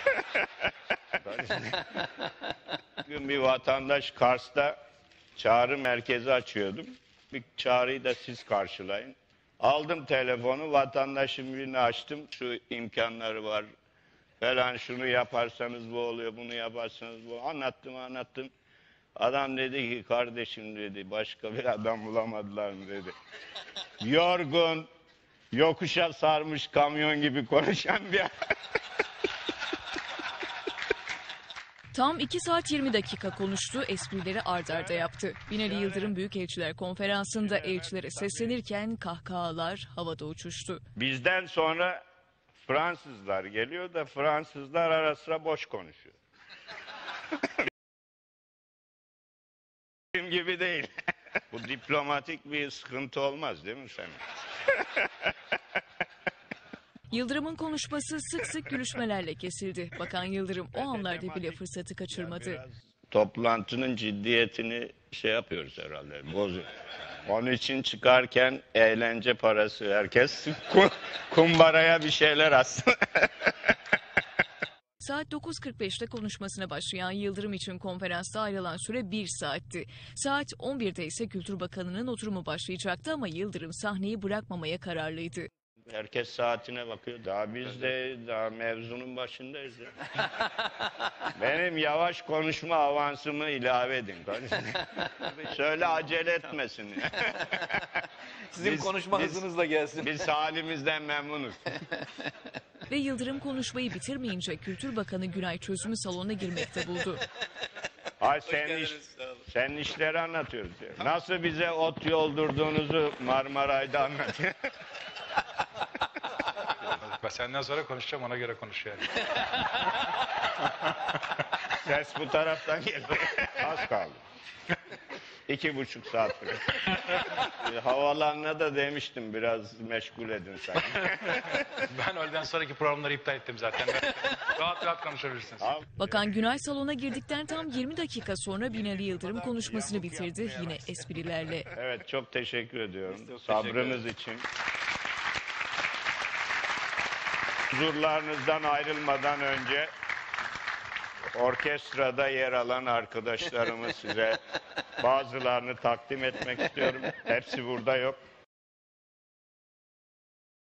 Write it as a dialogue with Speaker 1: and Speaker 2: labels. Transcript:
Speaker 1: Bugün bir vatandaş Kars'ta çağrı merkezi açıyordum. Bir çağrıyı da siz karşılayın. Aldım telefonu, vatandaşın birini açtım. Şu imkanları var falan, şunu yaparsanız bu oluyor, bunu yaparsanız bu. Anlattım. Adam dedi ki, kardeşim dedi, başka bir adam bulamadılar mı dedi. Yorgun, yokuşa sarmış kamyon gibi konuşan bir
Speaker 2: Tam 2 saat 20 dakika konuştu, esprileri ard arda yaptı. Binali Yıldırım Büyükelçiler Konferansı'nda elçilere seslenirken kahkahalar havada uçuştu.
Speaker 1: Bizden sonra Fransızlar geliyor da Fransızlar ara sıra boş konuşuyor. Bizim gibi değil. Bu diplomatik bir sıkıntı olmaz değil mi senin?
Speaker 2: Yıldırım'ın konuşması sık sık gülüşmelerle kesildi. Bakan Yıldırım o anlarda bile fırsatı kaçırmadı.
Speaker 1: Toplantının ciddiyetini şey yapıyoruz herhalde, bozuyor. Onun için çıkarken eğlence parası herkes kumbaraya bir şeyler atsın.
Speaker 2: Saat 9.45'te konuşmasına başlayan Yıldırım için konferansta ayrılan süre 1 saatti. Saat 11'de ise Kültür Bakanı'nın oturumu başlayacaktı ama Yıldırım sahneyi bırakmamaya kararlıydı.
Speaker 1: Herkes saatine bakıyor. Biz de daha mevzunun başındayız ya. Benim yavaş konuşma avansımı ilave edin. Söyle, acele etmesin.
Speaker 3: Sizin konuşma hızınızla gelsin.
Speaker 1: Biz halimizden memnunuz.
Speaker 2: Ve Yıldırım konuşmayı bitirmeyince Kültür Bakanı Günay çözümü salona girmekte buldu.
Speaker 1: Ay senin işleri anlatıyoruz. Ya. Nasıl bize ot yoldurduğunuzu Marmaray'da anlatıyor.
Speaker 4: Ben senden sonra konuşacağım, ona göre konuş yani.
Speaker 1: Ses bu taraftan geliyor. Az kaldı. 2,5 saat sonra. Havalarına da demiştim, biraz meşgul edin sen.
Speaker 4: Ben öğleden sonraki programları iptal ettim zaten. Rahat rahat konuşabilirsiniz.
Speaker 2: Bakan Günay salona girdikten tam 20 dakika sonra Binali Yıldırım konuşmasını bitirdi yine esprilerle.
Speaker 1: Evet, çok teşekkür ediyorum sabrınız için. Huzurlarınızdan ayrılmadan önce orkestrada yer alan arkadaşlarımı size bazılarını takdim etmek istiyorum. Hepsi burada yok.